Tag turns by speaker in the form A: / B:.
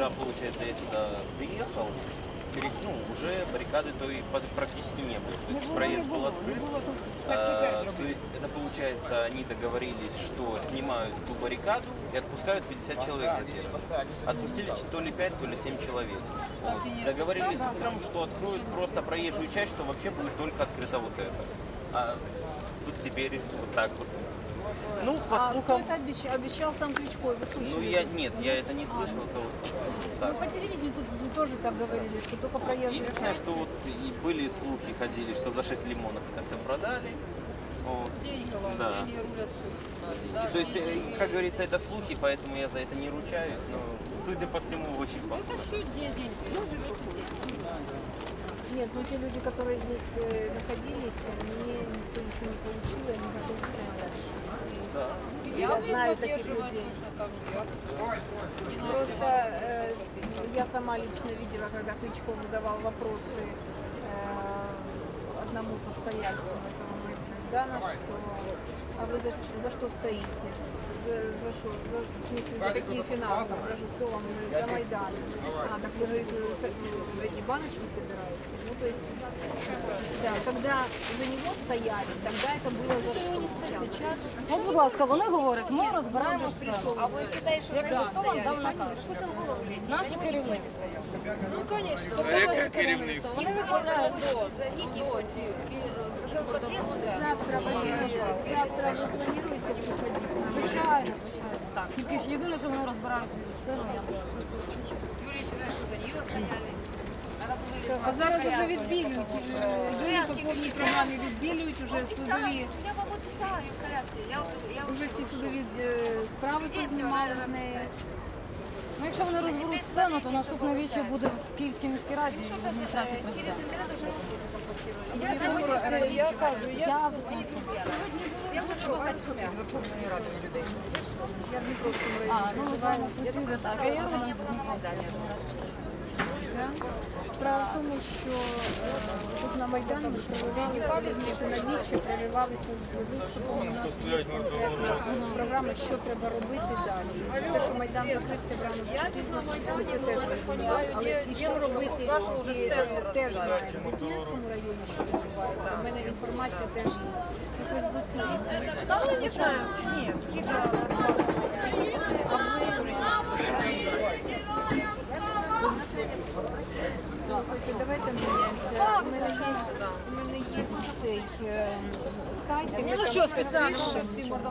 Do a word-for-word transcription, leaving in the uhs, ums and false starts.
A: вчера, получается, я сюда приехал, перед, ну, уже баррикады то и под- практически не было. То есть проезд был открыт. А, то есть это получается, они договорились, что снимают ту баррикаду и отпускают пятьдесят человек за первым. Отпустили то ли пять, то ли семь человек. Вот. Договорились утром, что откроют просто проезжую часть, что вообще будет только открыто вот это. А тут теперь вот так вот. Ну, по
B: А кто
A: слухам,
B: это обещал? Обещал сам Кличко, и вы слышали?
A: ну я нет, я это не слышал. Это вот
B: Ну,
A: так.
B: по телевидению тут тоже так говорили, что только проезжие
A: Единственное,
B: части.
A: что вот и были слухи ходили, что за шесть лимонов это все продали. Вот.
C: Деньги, ладно,
A: Да.
C: деньги рулят все.
A: То есть, э, как говорится, это слухи, поэтому я за это не ручаюсь, но, судя по всему, очень похоже.
C: Это все деньги. Ну, живете деньги.
B: Нет, ну те люди, которые здесь э, находились, они никто ничего не получил, и они готовы стоять дальше.
A: Да.
C: Я,
B: Я
C: блин,
B: знаю таких
C: поддерживаю
B: людей.
C: точно так же. Я не надо,
B: Просто
C: не
B: э,
C: надо, не
B: я сама лично видела, когда Кличко задавал вопросы э, одному постояльцу этого Майдана, что а вы за, за что стоите? За, за что? За, в смысле, за какие финансы? За что вам? Он говорит, за Майдан. А, так вы, говорит, с- эти баночки собираете? Ну, то есть, да, когда за него стояли, тогда это было за что? Сейчас
D: От, будь ласка, вони говорять, ми розбираємо сцену.
E: А ви вважаєте, що
D: Як
E: ви
D: хто вам дав
E: стояли?
D: наказ?
E: Пусть он голову лезет.
D: Наше керівництво.
C: Ну, конечно.
D: Наше керівництво. Вони відправляють.
E: Уже в подъезд, да?
B: завтра ви, завтра ви плануєте приходити?
D: Звичайно, звичайно. Так, тільки ж єдине, що вони розбирають сцену, я
E: Юлия считает, что за нее стояли. Она уже
B: А зараз вже відбілюють, е, Юрій по повній програмі відбілюють уже судові,
E: Я вам обіцяю в коляске. Я, я
B: вже всі судові е, справи познімали з неї.
D: Ну, якщо вони розберуть сцену, то наступне віче буде в Київській міській раді і в адміністрації
E: через
D: президента.
E: интернет уже компостировали.
C: Я сьогодні, я кажу, я
D: Я
C: я хочу багатьма Верховної Ради людей.
B: Я в Дніпровському
D: А,
B: районі
D: ну,
B: проживаю.
D: звичайно, сусіди, так. А я вона
B: Да? Справа в тому, що е, тут на Майдані проривалися, вірніше, на вічі проривалися з виступом у нас є програма, що треба робити далі. Те, що Майдан закрився в ранок пізно, ми це теж розуміємо. Але і що робити, і, е, теж знаємо. В Деснянському районі, що відбувається, у мене інформація теж є. На Фейсбуці є.
C: Там, ну, не знаю, нет, какие-то...
B: Слухайте, давайте міняємося. У мене є, у мене є цей е, сайт. і ми
C: Ну
B: там
C: що,
B: все
C: спеціально
B: пишемо.
C: всі мордом